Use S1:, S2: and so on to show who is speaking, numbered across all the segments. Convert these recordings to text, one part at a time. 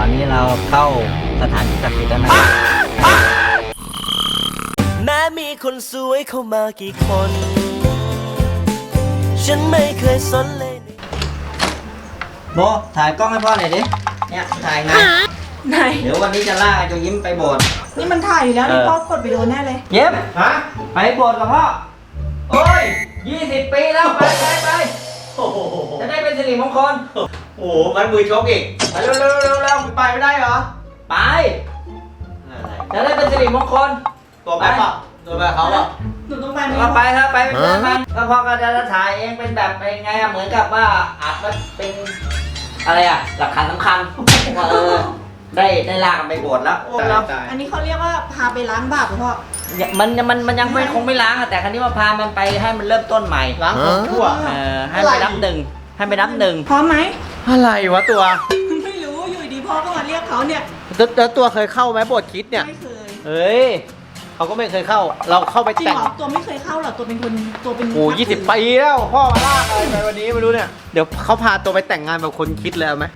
S1: อนนี้เราเข้าสถานที่ศักดิ์สิทธิ์แล้วนะครับ
S2: แม้มีคนสวยเข้ามากี่คน ฉันไม่เคยสนเลย
S1: โบถ่ายกล้องให้พ่อหน่อยดิเนี่ยถ่ายไง
S3: ไหน
S1: เดี๋ยววันนี้จะล่าไอ้ตัวยิ้มไปโบสถ์
S3: นี่มันถ่ายอยู่แล้วนี่พ่อกดไปโดนแน่เลย
S1: เย็บฮะไปโบสถ์กับพ่อโอ้ย20 ปีแล้วไปจะได้เป็นสิริมงคล
S4: โอ้โหมันมือชกอีกไปเร็วไปไม่ได้เหรอ
S1: ไปจะได้เป็นสิริมงคล
S4: ตัวไปป่ะตัวไปเขาป่ะ
S3: หนูต้องไปไหม
S1: ก็ไปครับไปเป็นเพื่อนมันก็พ่อก็จะถ่ายเองเป็นแบบเป็นไงอะเหมือนกับว่าอาจว่าเป็นอะไรอะหลักฐานสำคัญว่าได้ลากันไปโบสถ์แล้ว
S3: อันนี้เขาเรียกว่าพาไปล้างบาปหรือเปล่า
S1: มันยังไม่คงไม่ล้างอะแต่ครั้นี้ว่าพามันไปให้มันเริ่มต้นใหม่
S4: ล้างของทั่ว
S1: ให้ไปนับหนึ่ง
S3: พร้อมไหม
S4: อะไรวะตัว
S3: ไม่รู้อยู่ดีพ่อก็มาเรียกเขาเนี่ย
S4: แล้วตัวเคยเข้าไหมโบสถ์คริสต์เนี่ย
S3: ไม่เคย
S4: เฮ้ยเขาก็ไม่เคยเข้าเราเข้าไป
S3: จริง
S4: แต่ง
S3: เหรอตัวไม่เคยเข้าหรอตัวเป็นคนตัวเป็น
S4: โอ้20 ปีแล้วพ่อมาลากอะไรไปวันนี้ไม่รู้เนี่ยเดี๋ยวเขาพาตัวไปแต่งงานแบบคนคริสต์เลยเอาไหม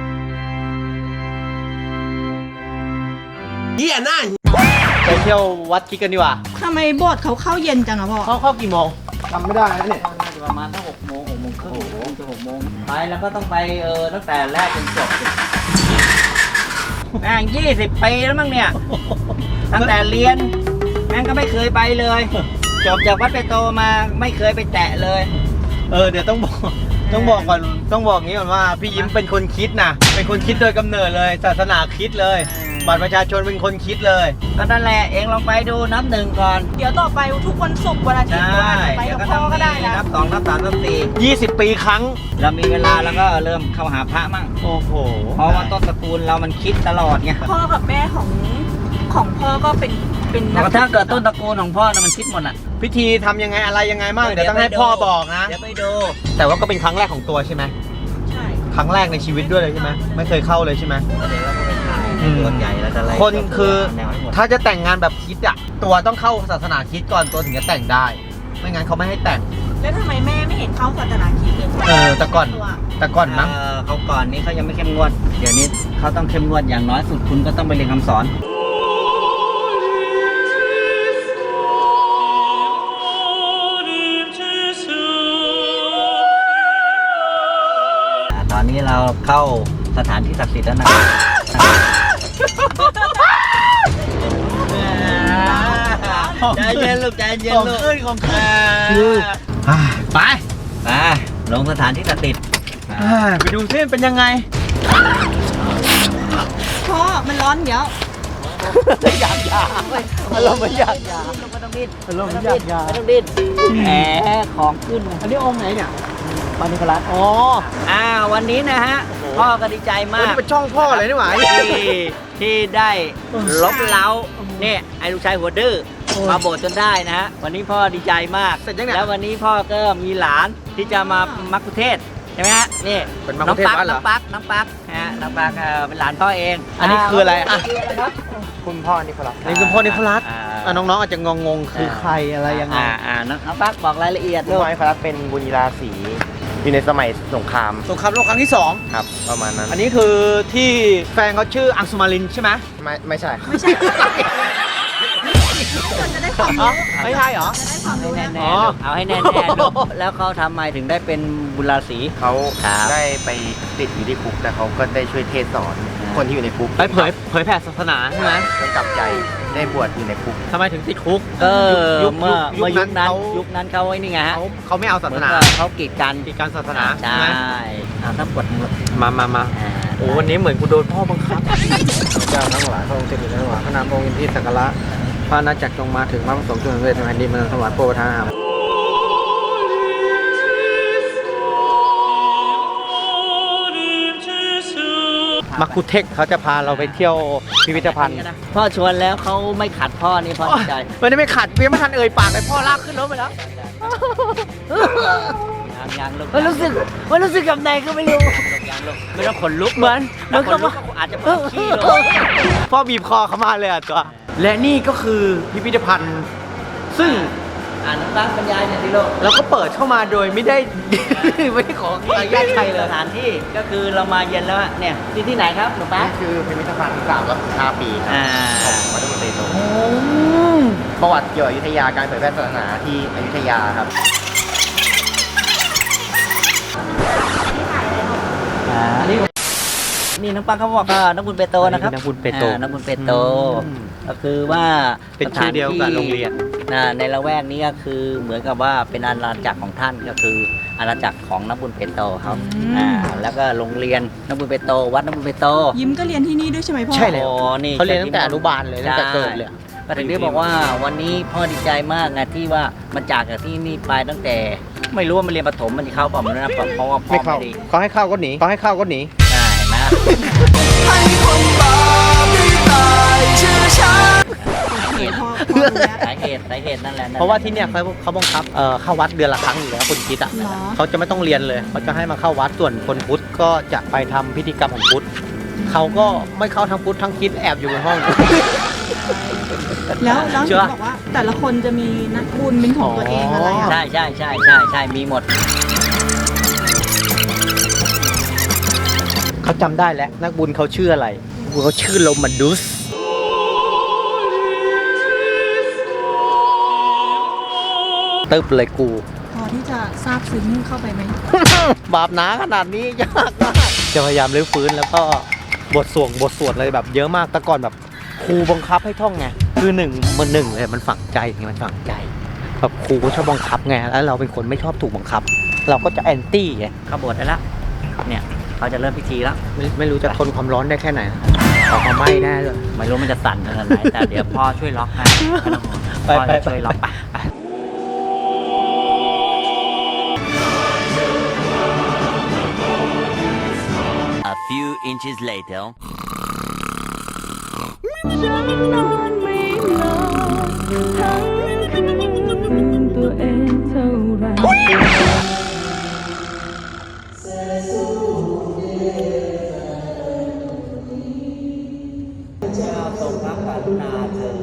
S4: เฮียน่าไปเที่ยววัดคริสต์กันดีกว่า
S3: ทำไมโบสถ์เขาเข้าเย็นจังอะพ่อ
S4: เข้ากี่โมงจำไม่ได้แล้วเนี่ย
S1: น่าจะประมาณตั้ง6 โมงครึ่งจะ6 โมงไปแล้วก็ต้องไปตั้งแต่แรกจนจบแม่ง20 ปีแล้วมั้งเนี่ยตั้งแต่เรียนแม่งก็ไม่เคยไปเลยจบจากวัดไปโตมาไม่เคยไปแตะเลย
S4: เดี๋ยวต้องบอกก่อนต้องบอกงี้ก่อนว่าพี่ยิ้มเป็นคนคิดนะเป็นคนคิดโดยกำเนิดเลยศาสนาคิดเลยบัตรประชาชนเป็นคนคิดเลย
S1: ก็นั่นแหละเองลองไปดูนับ 1ก่อน
S3: เดี๋ยวต่อไปทุกวันศุกร์วันอาทิตย์ไปกับพ่อก็ได้นะ
S1: นับ 2 นับ 3 นับ
S4: 20 ปีครั้ง
S1: เรามีเวลาแล้วก็เริ่มเข้าหาพระมั่ง
S4: โอ้โห
S1: เพราะว่าต้นตระกูลเรามันคิดตลอดไง
S3: พ่อกับแม่ของพ่อก็เป็น
S1: ถ้าเกิดต้นตระกูลของพ่อน่ะมันคิดหมดอ่ะ
S4: พิธีทำยังไงอะไรยังไงบ้างเดี๋ยวต้องให้พ่อบอกนะ
S1: เดี๋ยวไปดู
S4: แต่ว่าก็เป็นครั้งแรกของตัวใช่ไหม
S3: ใช่
S4: ครั้งแรกในชีวิตด้วยเลยใช่ไหมไม่เคยเข้าเลยใช่ไหม
S1: เดี๋ยวเราก็ไปถ่ายตัวใหญ่แล้วจะไล่
S4: คนคือถ้าจะแต่งงานแบบคิดอ่ะตัวต้องเข้าศาสนาคิดก่อนตัวถึงจะแต่งได้ไม่งั้นเขาไม่ให้แต่ง
S3: แล้วทำไมแม่ไม่เห็นเข้าศาสนาคริสต์เลย
S4: แต่ก่อนนะ
S1: เขาก่อนนี้เขายังไม่เข้มงวดเดี๋ยวนี้เขาต้องเข้มงวดอย่างน้อยสุดคุณก็ต้องไปเรียนคำสอนตอนนี้เราเข้าสถานที่ศักดิ์สิทธิ์แล้วนะครับใจเย็นลูกใจเย็นลูก
S4: ขึ้นของไป
S1: ลงสถานที่ศักดิ์สิทธิ์
S4: ไปดูซิเป็นยังไง
S3: พ่อมันร้อนเดี๋ยว
S4: อยากเราไม่อยาก
S1: ลงก็ต้องดิ้น
S4: เราไม่อยาก
S1: ไม่ต้องดิ้นแหมของขึ้น
S4: อันนี้องค์ไหนเนี่ย
S1: ปานิคลัสวันนี้นะฮะพ่อก็ดีใจมาก
S4: เป็นช่องพ่อเลยนี่หว่า
S1: ที่ได้ลบเล้าเนี่ยไอ้ลูกชายหัวดื้อมาโบสถ์จนได้นะฮะวันนี้พ่อดีใจมากแล้ววันนี้พ่อก็มีหลานที่จะมามัคคุเทศใช่ไหมฮะนี่น้องปักฮะน้องปักเป็นหลานพ่อเอง
S4: อันนี้คืออะไรคุณพ่อนิโคลัสนี่คุณพ่อนิโคลัสน้องๆอาจจะงงคือใครอะไรยังไง
S1: น้องปักบอกรายละเอียด
S5: ด้วยนิโคลัสเป็นบุญราศีอยู่ในสมัยสงคราม
S4: โลกครั้งที่2
S5: ครับประมาณนั้น
S4: อันนี้คือที่แฟนเขาชื่ออังสุมารินใช่ไหม
S5: ไม่ใช่
S3: จะได้ความรู้
S4: ไม่ใช่เหรอ
S1: แน่เอาให้แน่แล้วเขาทำไมถึงได้เป็นบุญราศี
S5: เขาได้ไปติดอยู่ที่คุกแต่เขาก็ได้ช่วยเทศสอนคนที่อยู่ในคุก
S4: ไปเผยแผ่ศาสนาใช่ไหม
S5: ได้กลับใจได้บวชอยู่ในคุก
S4: ทำไมถึงติดคุก
S1: เมื่อยุคนั้นเขาไอ้นี่ไงฮะ
S4: เขาไม่เอาศาสนา
S1: เขากีดกัน
S4: ศาสนา
S1: ใช่ถ้าปวด
S4: มาโอ้วันนี้เหมือนกูโดนพ่อบังคับเจ้าทั้งหลายพระองค์เจ้าทั้งหลายพระนามองค์อินทรีสักการะพระนาจักรจงมาถึงพระประสงค์จงสำเร็จในแผ่นดินมันถวายโปรทานมัคคุเทศเขาจะพาเราไปเที่ยวพิพิธภัณฑ์
S1: พ่อชวนแล้วเขาไม่ขัดพ่อนี่พ่อใจ
S4: วันนี้ไม่ขัดเพียงไม่ทันเอ่ยปากเลยพ่อลากขึ้นรถไปแล้ว
S1: ยังลูกมันรู้สึกกับไหนก็ไม่รู้ไม่ต้องขนลุกเหมือนกับว่าอาจจะปวดขี้ลง
S4: พ่อบีบคอเขามาเลยตัวและนี่ก็คือพิพิธภัณฑ์ซึ่ง
S1: น้องตั๊กบรรยายหน่อยสิลูก
S4: แล้วก็เปิดเข้ามาโดยไม่ได้ ไม่ได้ขออนุญาตใครเลย
S1: สถานที่ก็คือเรามาเย็นแล้วอะเนี่ยที่ไหนครับหนูตั๊ก
S5: นี่คือพิพิธภัณฑ์305 ปีครับ
S1: อ่า
S5: ของวัดมนเตโตประวัติเกี่ยวกับอยุธยาการเผยแพร่ศาสนาที่อยุธยาครับ
S1: นี่น้องปังเขาบอกว่านักบุญเปโตนะครับ
S4: นักบุญเปโต
S1: นักบุญเปโต ก็คือว่า
S4: เป็นชื่อเดียวกับโรงเรียน
S1: ในละแวกนี้ก็คือเหมือนกับว่าเป็นอาณาจักรของท่านก็คืออาณาจักรของนักบุญเปโตครับแล้วก็โรงเรียนนักบุญเปโตวัดนักบุญเปโต
S3: ยิ้มก็เรียนที่นี่ด้วยใช่ไหมพ่อ
S4: ใช่เลย
S1: โอ้นี่
S4: เขาเรียนตั้งแต่อนุบาลเลยตั้งแต่เกิดเลย
S1: ก็ถึงได้บอกว่าวันนี้พ่อดีใจมากนะที่ว่ามันจากที่นี่ไปตั้งแต่ ไม่รู้ว่ามันเรียนประถมมันจะเข้าเปล่าไม่รู้นะเพราะว่าพ่อ
S4: ไม่เข้า
S1: ไม่ดี
S4: เขาให้เข้าก็หนีเขาให้เข้าก็หนี
S1: ใช่เห็นไหม
S2: ให้คนบาปได้ตายชื่อฉัน
S3: พ่อรู้แล้ว
S1: สาเหตุนั่นแหละ
S4: เพราะว่าที่เนี่ยเขาบังคับเข้าวัดเดือนละครั้งอยู่แล้วคนคริดอ่ะ
S3: เหรอ
S4: เขาจะไม่ต้องเรียนเลยเขาจะให้มาเข้าวัดส่วนคนพุทธก็จะไปทำพิธีกรรมของพุทธเขาก็ไม่เข้าทั้งพุทธทั้งคริดแอบอยู่ในห้อง
S3: แล้ว
S4: เชื่
S3: เห็
S4: อ
S3: นบอกว่าแต่ละคนจะมีนักบุญเป็นของตัวเองอะไรอ่ะ
S1: ใช่มีหมด
S4: เขาจำได้แล้วนักบุญเขาชื่ออะไรนักบุญเขาชื่อโรมันดุสตึ๊บเลยกู
S3: พอที่จะทราบซึ้งเข้าไปไหม
S4: บาปหนาขนาดนี้ยากมากจะพยายามรื้อฟื้นแล้วก็บทสวดอะไรแบบเยอะมากแต่ก่อนแบบครูบังคับให้ท่องไงคือหนึ่งเลยมันฝังใจไงมันฝังใจแบบครูก็ชอบบังคับไงแล้วเราเป็นคนไม่ชอบถูกบังคับ เราก็จะแอนตี้ไง
S1: เข้าโบสถ์ได้แล้วเนี่ยเขาจะเริ่มพิธีแล้ว
S4: ไม่รู้จะทนความร้อนได้แค่ไหนออกมาไหม้แน่เลย
S1: ไม่รู้มันจะสั่นขนาดไหนแต่เดี๋ยวพ่อช่วยล็อกให้ไม่ต้องห่วง
S4: ไป
S1: พ่อจะช่วยล็อกไป
S2: A few inches later
S1: เจ้าทรงพระกรุณาเถิด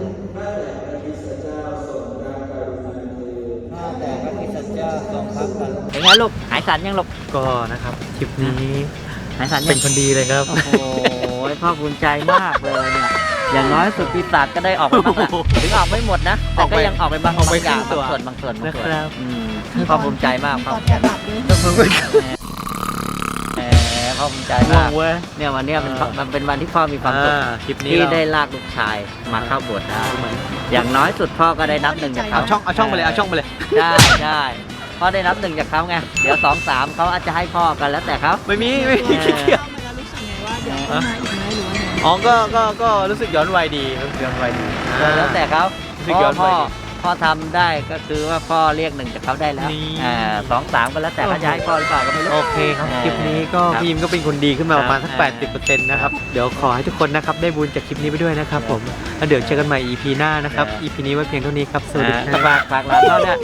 S1: ข้าแต่พระคริสต์เจ้าทรงพระกรุณาเป็นไงลูกหายสั่นยังลูก
S4: ก็นะครับคลิปนี้
S1: หายสั่นยัง
S4: เป็นคนดีเลยครับ
S1: โอ้โหพ่อภูมิใจมากเลยเนี่ย อย่างน้อยสุดปีศาจก็ได้ออกไปบ้างละถึงออกไม่หมดนะ แต่ก็ยังออกไปบาง
S4: ออกไป
S1: อย่าง
S4: ครึ่งตัว
S1: บางส่วน
S4: นะครับ
S1: พ่อภูมิใจมากพ่อ
S3: ตอนแอบหลับด้วย
S1: แหมพ่อภูมิใจ
S4: ง่ว
S1: มาง ก
S4: เว้ย
S1: เนี่ยวันเนี้ยมันเป็นวันที่พ่อมีความสุข
S4: คลิปนี้
S1: ที่
S4: เรา
S1: ได้ลากลูกชายมาเข้าโบสถ์ได้อย่างน้อยสุดพ่อก็ได้นับหนึ่งจากเขา
S4: เอาช่องไปเลยเอาช่องไปเลย
S1: ได้พ่อได้นับหนึ่งจากเขาไงเดี๋ยวสองสามเขาอาจจะให้พ่อกันแล้วแต่เขา
S4: ไม่มีขี้เกียจ
S3: เข้ามาแล้วรู้สึกไงว่าเดี๋ยวต้องมาอีกไหมหรือว่าไง
S4: อ๋อก็รู้สึกย้อนวัยดีรู้สึกย้อนวัยดี
S1: แล้วแต่เขา
S4: รู้สึกย้อนวัยดี
S1: พ่อทำได้ก็คือว่าพ่อเรียกหนึ่งจากเขาได้แล้ว
S4: นี่
S1: สองสามก็แล้วแต่เขาจะให้พ่อหรือเปล่าก็ไม่รู้
S4: โอเคครับคลิปนี้ก็
S1: ครับ
S4: พี่ยิมก็เป็นคนดีขึ้นมาประมาณสัก
S1: ครับ
S4: 80%นะครับเดี๋ยวขอให้ทุกคนนะครับได้บุญจากคลิปนี้ไปด้วยนะครับผมแล้วเดี๋ยวเจอกันใหม่ EP หน้านะครับ
S1: ครับ
S4: EP นี้ไว้เพียงเท่านี้ครับสวัสดีครับ
S1: ฝากร้านเขาเนี่ย